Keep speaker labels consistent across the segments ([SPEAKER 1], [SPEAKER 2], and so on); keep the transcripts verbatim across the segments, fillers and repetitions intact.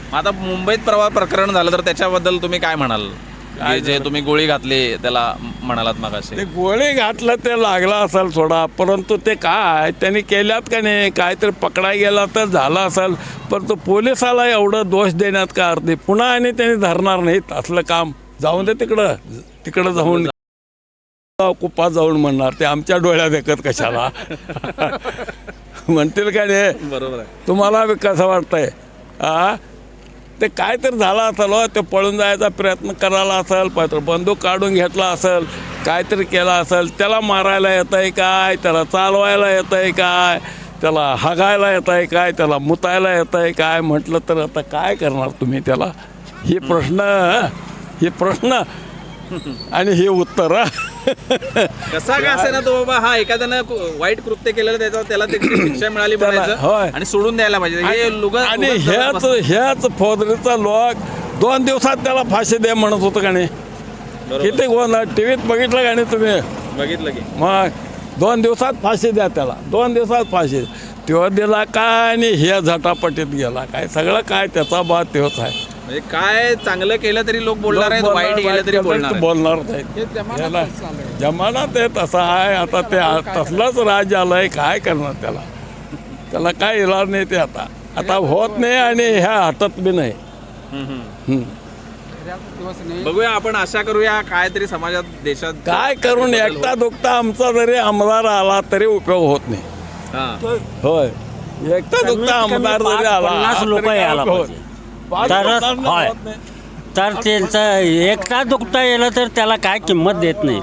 [SPEAKER 1] आता मुंबईत प्रवाह प्रकरण झालं तर त्याच्याबद्दल तुम्ही काय म्हणाल? काय जे तुम्ही गोळी घातली त्याला म्हणालात मगाशी.
[SPEAKER 2] ते गोळी घातलं ते लागला असेल सोडा, परंतु ते काय त्यांनी केल्यात का नाही, काहीतरी पकडाय गेला तर झाला असेल, परंतु पोलिसाला एवढं दोष देण्यात का अर्थ नाही. पुन्हा आणि त्यांनी धरणार नाहीत असलं काम. जाऊन दे तिकडं, तिकडं जाऊन कुपा जाऊन म्हणणार ते आमच्या डोळ्यात देखत कशाला म्हणतील का नाही.
[SPEAKER 1] बरोबर आहे.
[SPEAKER 2] तुम्हाला कसं वाटतंय? आ ते काय तर झालं असेल हो, ते पळून जायचा प्रयत्न करायला असेल, पत्र बंदूक काढून घेतला असेल, काहीतरी केला असेल. त्याला मारायला येत आहे काय, त्याला चालवायला येत आहे काय, त्याला हागायला येत आहे काय, त्याला मुतायला येत आहे काय म्हटलं तर आता काय करणार तुम्ही त्याला? ही प्रश्न हे प्रश्न आणि हे उत्तर.
[SPEAKER 1] कसा का असे ना तो बाबा, हा एखाद्यानं वाईट कृत्य केलेलं त्याचा त्याला त्याची शिक्षा मिळाली म्हणायचं आणि सोडून द्यायला पाहिजे. हे लुगा
[SPEAKER 2] आणि ह्याच ह्याच फौजरीचा लोक दोन दिवसात त्याला फाशी दे म्हणत होतं का नाही? किती गोंधळ टीव्हीत बघितलं का नाही तुम्ही?
[SPEAKER 1] बघितलं की
[SPEAKER 2] मग दोन दिवसात फाशी द्या त्याला, दोन दिवसात फाशी. तो दिला काय आणि हे झटापटीत गेला काय, सगळं काय त्याचा बाद तेच आहे.
[SPEAKER 1] म्हणजे काय चांगलं केलं तरी लोक बोलणार आहेत, वाईट केलं तरी बोलणार आहेत.
[SPEAKER 2] बोलणारच आहेत. जमानात आहे तसा आहे. आता ते तसलंच राज्य आलंय, काय करणार त्याला? त्याला काय इलाज नाही ते आता आता होत नाही आणि ह्या हटत बी नाही. हम्म.
[SPEAKER 1] बघूया आपण आशा करूया काहीतरी समाजात देशात
[SPEAKER 2] काय करून एकटा दुखता आमचा जरी आमदार आला तरी उपयोग होत नाही.
[SPEAKER 1] हा.
[SPEAKER 2] होय, एकटा दुखता आमदार जरी आला
[SPEAKER 3] पन्नास लोक
[SPEAKER 2] तरी काय
[SPEAKER 3] यायला
[SPEAKER 2] उपयोग
[SPEAKER 3] पाहिजे.
[SPEAKER 2] होत? पाच
[SPEAKER 3] तरच
[SPEAKER 2] लोकांना
[SPEAKER 3] होय.
[SPEAKER 2] होत नाही.
[SPEAKER 3] तर त्यांचं एकटा दुखता येलं तर त्याला काय किंमत देत नाही.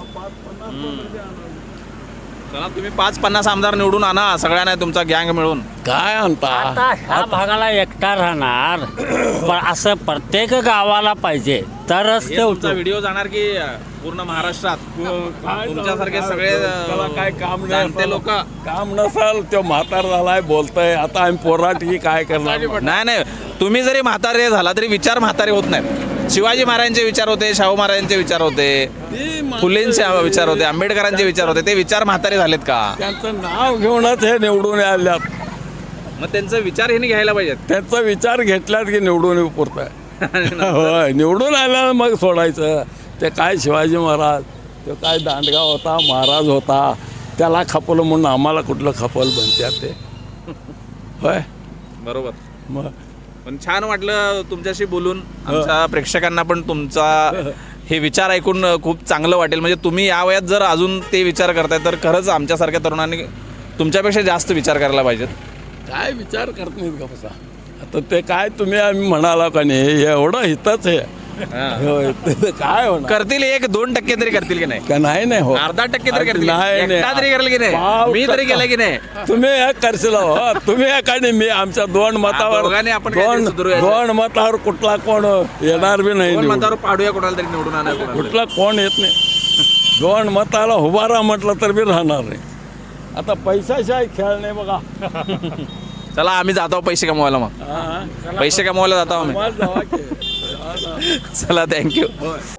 [SPEAKER 1] चला तुम्ही पाच पन्नास आमदार निवडून आणा सगळ्यांना, तुमचा गँग मिळून.
[SPEAKER 2] काय आणता?
[SPEAKER 3] आता ह्या भागाला एकटा राहणार पण असं प्रत्येक गावाला पाहिजे तरच ते
[SPEAKER 1] तुमचा
[SPEAKER 3] होतं.
[SPEAKER 1] व्हिडिओ जाणार की पूर्ण महाराष्ट्रात
[SPEAKER 2] काय
[SPEAKER 1] तुमच्यासारखे
[SPEAKER 2] जाऊ
[SPEAKER 1] सगळे
[SPEAKER 2] दे. त्याला काय काम नाही
[SPEAKER 1] जाणते
[SPEAKER 2] असेल.
[SPEAKER 1] लोक.
[SPEAKER 2] काम नसेल तो म्हातार झालाय बोलतोय, आता आम्ही पोराटी काय करणार?
[SPEAKER 1] नाही नाही, तुम्ही जरी म्हातारे झाला तरी विचार म्हातारे होत नाहीत. शिवाजी महाराजांचे विचार होते, शाहू महाराजांचे विचार होते, फुलेंचे विचार होते, आंबेडकरांचे विचार होते, ते विचार म्हातारे झालेत का?
[SPEAKER 2] त्यांचं नाव घेऊनच हे निवडून आल्यात.
[SPEAKER 1] मग त्यांचा विचार हे घ्यायला पाहिजेत.
[SPEAKER 2] त्यांचा विचार घेतल्यात की निवडून पुरत होय, निवडून आल्यानं मग सोडायचं. ते काय शिवाजी महाराज, तो काय दांडगा होता, महाराज होता, त्याला खपवलं म्हणून आम्हाला कुठलं खपल बनत्यात ते. होय
[SPEAKER 1] बरोबर.
[SPEAKER 2] मग
[SPEAKER 1] पण छान वाटलं तुमच्याशी बोलून. आमच्या प्रेक्षकांना पण तुमचा हे विचार ऐकून खूप चांगलं वाटेल. म्हणजे तुम्ही या वयात जर अजून ते विचार करताय तर खरंच आमच्यासारख्या तरुणांनी तुमच्यापेक्षा जास्त विचार करायला पाहिजेत.
[SPEAKER 2] काय विचार करत नाहीत का बसा? आता ते काय तुम्ही आम्ही म्हणाला का नाही, एवढं हितच आहे. होय, ते काय होणार?
[SPEAKER 1] करतील, एक दोन टक्के तरी करतील की नाही?
[SPEAKER 2] का नाही नाही हो,
[SPEAKER 1] अर्धा टक्के तरी करतील,
[SPEAKER 2] नाही, नाही.
[SPEAKER 1] एकटा तरी करेल की नाही?
[SPEAKER 2] पाव
[SPEAKER 1] मी तरी
[SPEAKER 2] टक्का.
[SPEAKER 1] केलं की नाही?
[SPEAKER 2] तुम्ही एक करशील हो, तुम्ही एक आणि मी आमच्या दोन मतावर
[SPEAKER 1] दोघांनी आपण काहीतरी
[SPEAKER 2] दोन
[SPEAKER 1] सुधारूया.
[SPEAKER 2] दोन मतावर कुठला कोण येणार बी नाही
[SPEAKER 1] दोन
[SPEAKER 2] निवडून.
[SPEAKER 1] मतावर पाडूया कोणाला तरी निवडून आणा कोणाला.
[SPEAKER 2] कुठला कोण येत नाही. दोन मताला उभारा म्हटलं तर बी राहणार नाही. आता पैशाशिवाय खेळ नाही बघा.
[SPEAKER 1] चला आम्ही जातो पैसे कमवायला. मग
[SPEAKER 2] हा.
[SPEAKER 1] पैसे कमवायला जातो आम्ही.
[SPEAKER 2] आम्हाला जावा की.
[SPEAKER 1] चला थँक्यू.